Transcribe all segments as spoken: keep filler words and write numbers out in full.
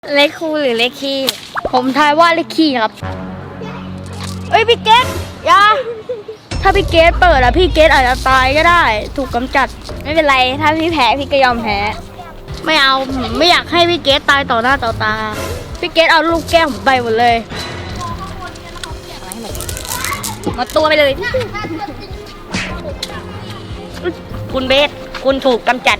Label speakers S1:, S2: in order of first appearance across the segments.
S1: เลขคู่หรือเลขขี้ผมทายว่าเลขขี้ครับเอ้ยพี่เกตอย่าถ้าพี่เกตเปิดอะพี่เกตอาจจะตายก็ได้ถูกกำจัดไม่เป็นไรถ้าพี่แพ้พี่ก็ยอมแพ้ไม่เอาไม่อยากให้พี่เกตตายต่อหน้าต่อตาพี่เกตเอาลูกแก้วผมไปหมดเลยหมดตัวไปเลยคุณเบสคุณถูกกำจัด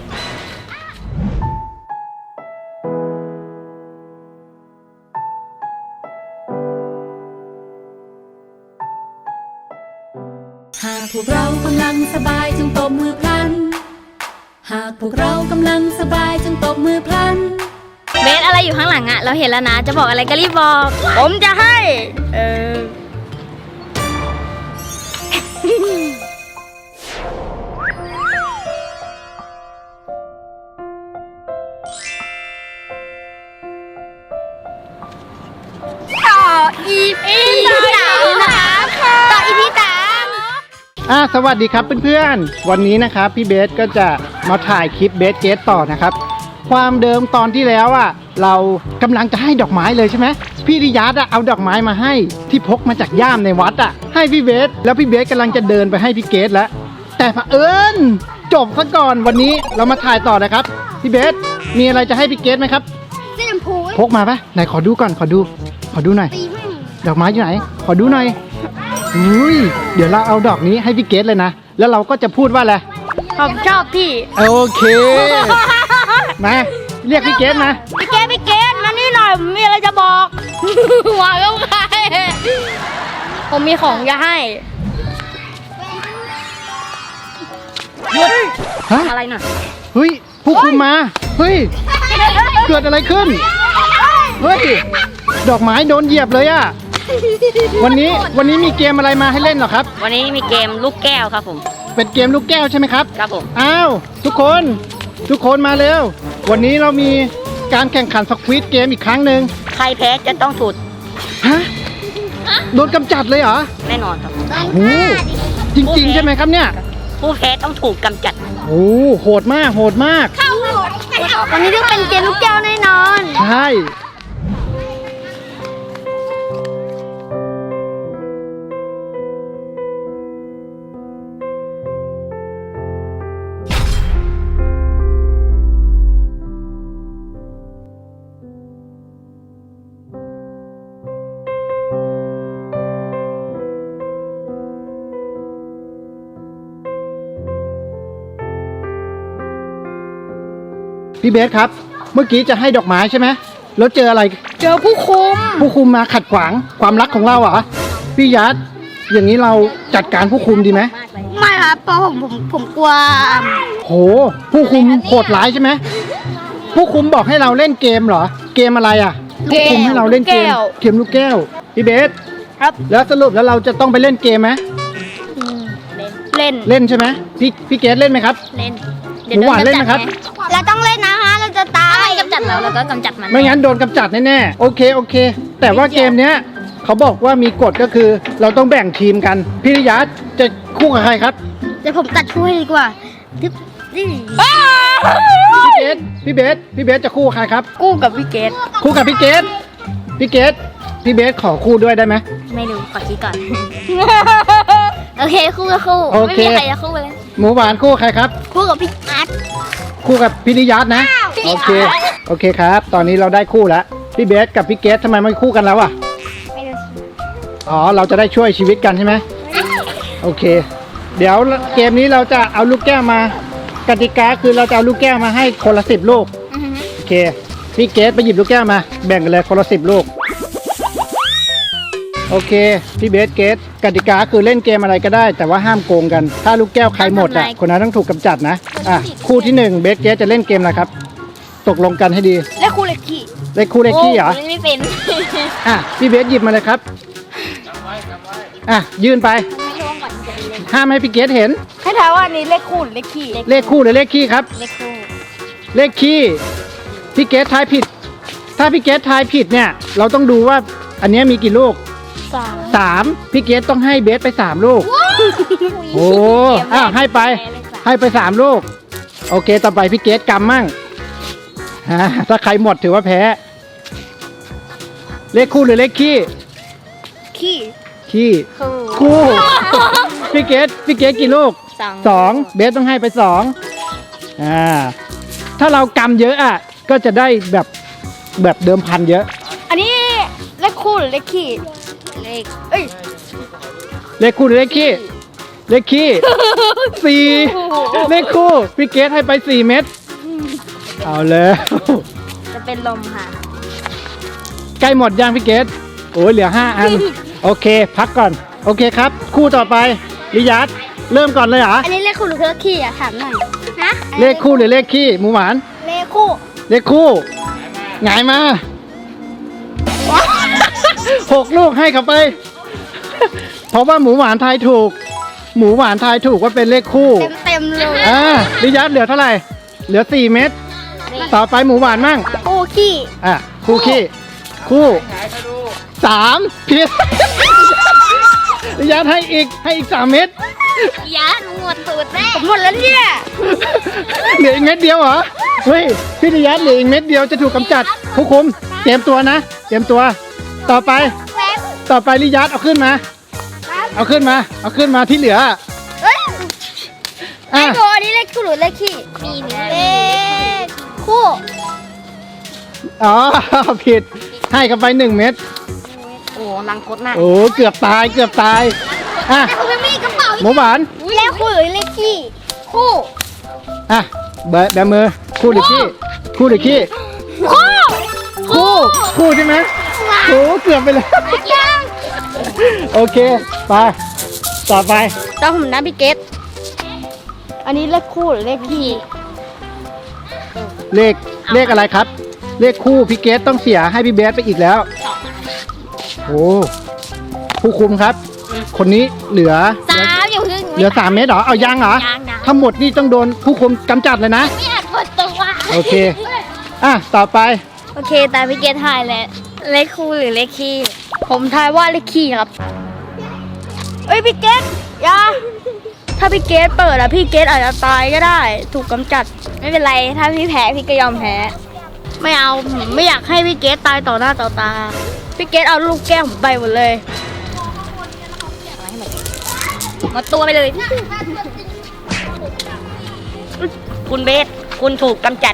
S2: หากพวกเรากำลังสบายจงตบมือพลันหากพวกเรากำลังสบายจงตบมือพลัน
S1: เบสอะไรอยู่ข้างหลังอะเราเห็นแล้วนะจะบอกอะไรก็รีบบอกผมจะให้เออต่ออีพีสามนะคะต่ออีพีสาม
S3: อ่าสวัสดีครับเพื่อนๆวันนี้นะครับพี่เบสก็จะมาถ่ายคลิปเบสเกตต่อนะครับความเดิมตอนที่แล้วอ่ะเรากำลังจะให้ดอกไม้เลยใช่ไหมพี่ริยัตอ่ะเอาดอกไม้มาให้ที่พกมาจากย่ามในวัดอ่ะให้พี่เบสแล้วพี่เบสกำลังจะเดินไปให้พี่เกตแล้วแต่เผอิญจบซะก่อนวันนี้เรามาถ่ายต่อนะครับพี่เบสมีอะไรจะให้พี่เกตไหมครับ
S1: เส้นพู
S3: พกมาปะไหนขอดูก่อนขอดูขอดูหน่อยดอกไม้อยู่ไหนขอดูหน่อยอุ้ยเดี๋ยวเราเอาดอกนี้ให้พี่เกตเลยนะแล้วเราก็จะพูดว่าอะไร
S1: ผมชอบพี่
S3: โอเคมาเรียกพี่เกตมา
S1: พี่เกตพี่เกตมานี่หน่อยมีอะไรจะบอกหวานก็ใครผมมีของจะให้หยุด
S3: ฮะ
S1: อะไรหน่อย
S3: เฮ้ยผู้คุมมาเฮ้ยเกิดอะไรขึ้นเฮ้ยดอกไม้โดนเหยียบเลยอะวันนี้วันนี้มีเกมอะไรมาให้เล่นเหรอครับ
S1: วันนี้มีเกมลูกแก้วครับผม
S3: เป็นเกมลูกแก้วใช่ไหมครับ
S1: ครับผม
S3: อ้าวทุกคนทุกคนมาเร็ววันนี้เรามีการแข่งขันสควิดเกมอีกครั้งหนึ่ง
S1: ใครแพ้จะต้องถูก
S3: ฮะโดนกำจัดเลยเหรอ
S1: แน่นอนครับ
S3: โอ้จริงๆใช่ไหมครับเนี่ย
S1: ผู้แพ้ต้องถูกกำจัด
S3: โอ้โหดมากโหดมาก
S1: วันนี้ต้องเป็นเกมลูกแก้วแน่นอน
S3: ใช่พี่เบสครับเมื่อกี้จะให้ดอกไม้ใช่ไหมแล้วเจออะไร
S1: เจอผู้คุม
S3: ผู้คุมมาขัดขวางความรักของเราเหรอพี่ยัดอย่างนี้เราจัดการผู้คุมดีไหม
S1: ไม่ครับเพราะผมผมผมกลัว
S3: โหผู้คุมโหดร้ายใช่ไหมผู้คุมบอกให้เราเล่นเกมเหรอเกมอะไรอ่ะผู้คุมให้เราเล่นเกมเกมลูกแก้วพี่เบส
S1: ครับ
S3: แล้วสรุปแล้วเราจะต้องไปเล่นเกมไหม
S1: เล่น
S3: เล่นใช่ไหมพี่พี่เกสเล่นไหมครับ
S1: เล่น
S3: หมูหวานเล่นไหมครับ
S1: เราต้องเล่นนะฮะเราจะตายกำจัดเราเราก็กำจัดมัน
S3: ไม่งั้นโดนกำจัดแน่ๆโอเคโอเคแต่ว่าเกมเนี้ยเขาบอกว่ามีกฎก็คือเราต้องแบ่งทีมกันพี่ริยัตจะคู่กับใครครับ
S1: เดี๋ยวผมตัดช่วยดีกว่าพี่
S3: เกสพี่เบสพี่เบสจะคู่กับใครครับ
S1: คู่กับพี่เกส
S3: คู่กับพี่เกสพี่เกสพี่เบสขอคู่ด้วยได้ไหม
S1: ไม่รู้ขอคิดก่อนโอเคคู่กับคู่ไม่มีใครจะคู่เลย
S3: หมูหวานคู่ใครครับ
S1: คู่กับพี่อาร์ต
S3: คู่กับพี่ริยัตนะโอเคโอเคครับตอนนี้เราได้คู่แล้วพี่เบสกับพี่เกสทำไมไม่คู่กันแล้วอ่ะ
S1: ไม่รู้
S3: อ๋อเราจะได้ช่วยชีวิตกันใช่ไหมโอเคเดี๋ยวเกมนี้เราจะเอาลูกแก้วมากติกาคือเราจะเอาลูกแก้วมาให้คนละสิบลูกโอเคพี่เกสไปหยิบลูกแก้วมาแบ่งกันเลยคนละสิบลูกโอเคพี่เบสเกสกติกาคือเล่นเกมอะไรก็ได้แต่ว่าห้ามโกงกันถ้าลูกแก้วใครหมดอ่ะคนนั้นต้องถูกกำจัดนะอ่ะคู่ที่หนึ่งเบสเกสจะเล่นเกมอะไรครับตกลงกันให้ดี
S1: เลขคู่เลขขี้
S3: เลขคู่เลขขี้เหรอ
S1: ไม่เป็น
S3: อ่ะพี่เบสหยิบมาเลยครับอ่ะยื่นไปห้ามให้พี่เกสเห็น
S1: ให้ทายว่านี้เลขคู่หรือเลขขี้
S3: เลขคู่หรือเลขขี้ครับ
S1: เลขคู่
S3: เลขขี้พี่เกสทายผิดถ้าพี่เกสทายผิดเนี่ยเราต้องดูว่าอันนี้มีกี่ลูก
S1: สาม
S3: สามพี่เกสต้องให้เบสไปสามลูกโอ้อ้าวให้ไปให้ไปสามลูกโอเคต่อไปพี่เกสกำมั่งถ้าใครหมดถือว่าแพ้เลขคู่หรือเลขขี้
S1: ขี้
S3: ขี้
S1: คู่
S3: คู่ พี่เกดพี่เกดกี่ลูก
S1: สอง
S3: สองเบสต้องให้ไปสองอ่าถ้าเรากำเยอะอ่ะก็จะได้แบบแบบเดิมพันเยอะ
S1: อันนี้เลขคู่หรือเลขขี้เลขเอ้ย
S3: เลขคู่หรือเลขขี้เลขขี้ สี่เลขคู่พี่เกดให้ไปสี่เม็ดเอาเลย
S1: จะเป็นลมค่ะ
S3: ใกล้หมดยังพี่เกดโอ้ยเหลือห้าอัน โอเค พักก่อน โอเคครับ คู่ต่อไปลิยัตเริ่มก่อนเลยเหรอ
S1: อันนี้เลขคู่หรือเลขขี้อะถามหน่อยฮะ
S3: เลขคู่หรือเลขขี้หมูหวาน
S1: เลขคู่
S3: เลขคู่หงายมา หกลูกให้เขาไป เพราะว่าหมูหวานทายถูก หมูหวานทายถูกว่าเป็นเลขคู่
S1: เต็มเต็มๆเลย
S3: อ่าลิยัตเหลือเท่าไหร่ เหลือสี่เม็ดต่อไปหมูหวานมั่ง
S1: คู่ขี้
S3: อ่ะคู่ขี้คู่สามผิด ลิยัตให้อีกให้อีกสามเม็ด
S1: ยาหนูหมดตูดแน่ผมหมดแล้วเนี่ย
S3: เหลืออีกเม็ดเดียวเหรอ เฮ้ยพี่ลิยัตเหลืออีกเม็ดเดียวจะถูกกำจัดผู้คุมเตรียมตัวนะ เตรียมตัว ต่อไป
S1: แป๊บ
S3: ต่อไปลิยัตเอาขึ้นมา เอาขึ้นมา เอาขึ้นมาที่เหลือ
S1: เอ้ย
S3: อ่ะ
S1: ไอ้โบอันนี้เลขคู่หรือเลขขี้มีเลขคู่
S3: อ๋อ ผิด ให้กันไปหนึ่งเม็ด
S1: โอ้ลังคดมาก
S3: โอ้เกือบตายเกือบตาย อ่ะ
S1: แต่คุณไม่มีกระเป๋า
S3: หมูหวาน
S1: เลขคู่หรือเลขขี้คู่
S3: อ่ะแบแบมือ คู่หรือขี้ คู่หรือขี้
S1: คู่
S3: คู่ คู่ใช่ไหมโอ้เกือบไปเลย
S1: ยัง
S3: โอเค ไป ต่อไป
S1: ตอนผมนะพี่เกตอันนี้เลขคู่หรือเลขขี้
S3: เลข เลขอะไรครับ เลขคู่พี่เกสต้องเสียให้พี่เบสไปอีกแล้ว โอ้ ผู้คุมครับ คนนี้เหลือ
S1: สามอย่าเพิ่ง
S3: เหลือสามเมตรเหรอ เอายังเหรอ
S1: ยังนะ
S3: ทั้งหมดนี่ต้องโดนผู้คุมกำจัดเลยนะ
S1: ไม่อยากกดตัว
S3: โอเค อ่ะ ต่อไป
S1: โอเคแต่พี่เกตทายแล้วเลขคู่หรือเลขขี้ผมทายว่าเลขขี้ครับเอ้ยพี่เกตอยาถ้าพี่เกตเปิดอะพี่เกตอาจจะตายก็ได้ ถูกกำจัดไม่เป็นไรถ้าพี่แพ้พี่ก็ยอมแพ้ไม่เอาผมไม่อยากให้พี่เกตตายต่อหน้าต่อตาพี่เกตเอาลูกแก้วผมไปหมดเลยหมดตัวไปเลย
S4: คุณเบส คุณถูกกำจัด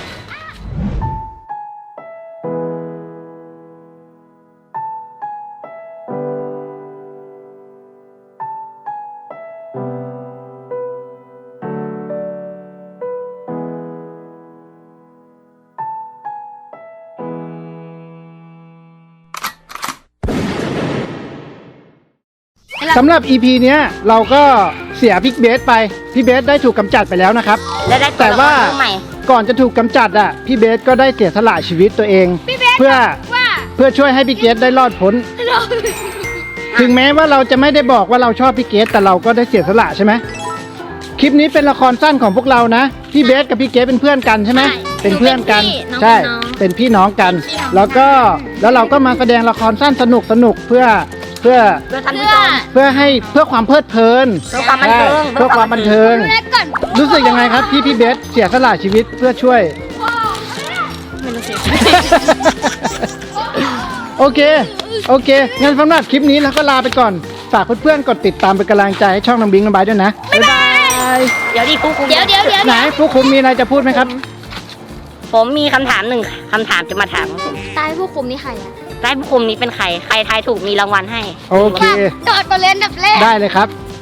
S3: สำหรับ อี พี เนี้ยเราก็เสียพี่เบสไป พี่เบสได้ถูกกำจัดไปแล้วนะครับ
S4: และได้
S3: แต่ว่า
S4: ใหม่
S3: ก่อนจะถูกกำจัดอ่ะ พี่เบสก็ได้เสียสละชีวิตตัวเอง เพื่อ
S1: ว่า
S3: เพื่อช่วยให้พี่เกสได้รอดพ้น ถึงแม้ว่าเราจะไม่ได้บอกว่าเราชอบพี่เกสแต่เราก็ได้เสียสละใช่ไหมคลิปนี้เป็นละครสั้นของพวกเรานะ พี่เบสกับพี่เกสเป็นเพื่อนกันใช่ไหม
S1: ใช่
S3: เป็นเพื่อนกัน
S1: น้อง
S3: ใช่
S1: เป็นน้อง
S3: เป็นพี่น้องกัน
S1: เป็นพี่น้อง
S3: แล้วก็แล้วเราก็มาแสดงละครสั้นสนุกสนุกเพื่อเพื่อ
S4: เพื่อท่าน
S1: เพื่
S4: ผู้
S1: อ
S4: ชม
S3: เพื่อให้เพื่อความเพลิดเพลิน
S4: เพื่อความบันเทิง
S3: ใช่เพื่อความบันเทิง
S1: ดูแลก่อน
S3: รู้สึกยังไงครับที่พี่เบสเสียสละชีวิตเพื่อช่วย
S1: ไม่รู้สิ
S3: โอเค โอเค งั้นสำหรับคลิปนี้เราก็ลาไปก่อน ฝากเพื่อนๆกดติดตามเป็นกำลังใจให้ช่องน้องบิงน้องไบร์ทด้วยนะ บ๊ายบาย
S4: เดี๋ยวดิผู้คุม
S1: เดี๋ยวเดี๋ยวเดี๋ยว
S3: ไหนผู้คุมมีอะไรจะพูดไหมครับ
S4: ผมมีคำถามหนึ่งคำถามจะมาถาม
S1: ตายผู้คุมนี่ใครอะ
S4: ได้ผู้คุมนี้เป็นใคร ใครทายถูกมีรางวัลให้
S3: โอเค
S1: จอดก่อนเลยอันดับแรก
S3: ได้เลยครับ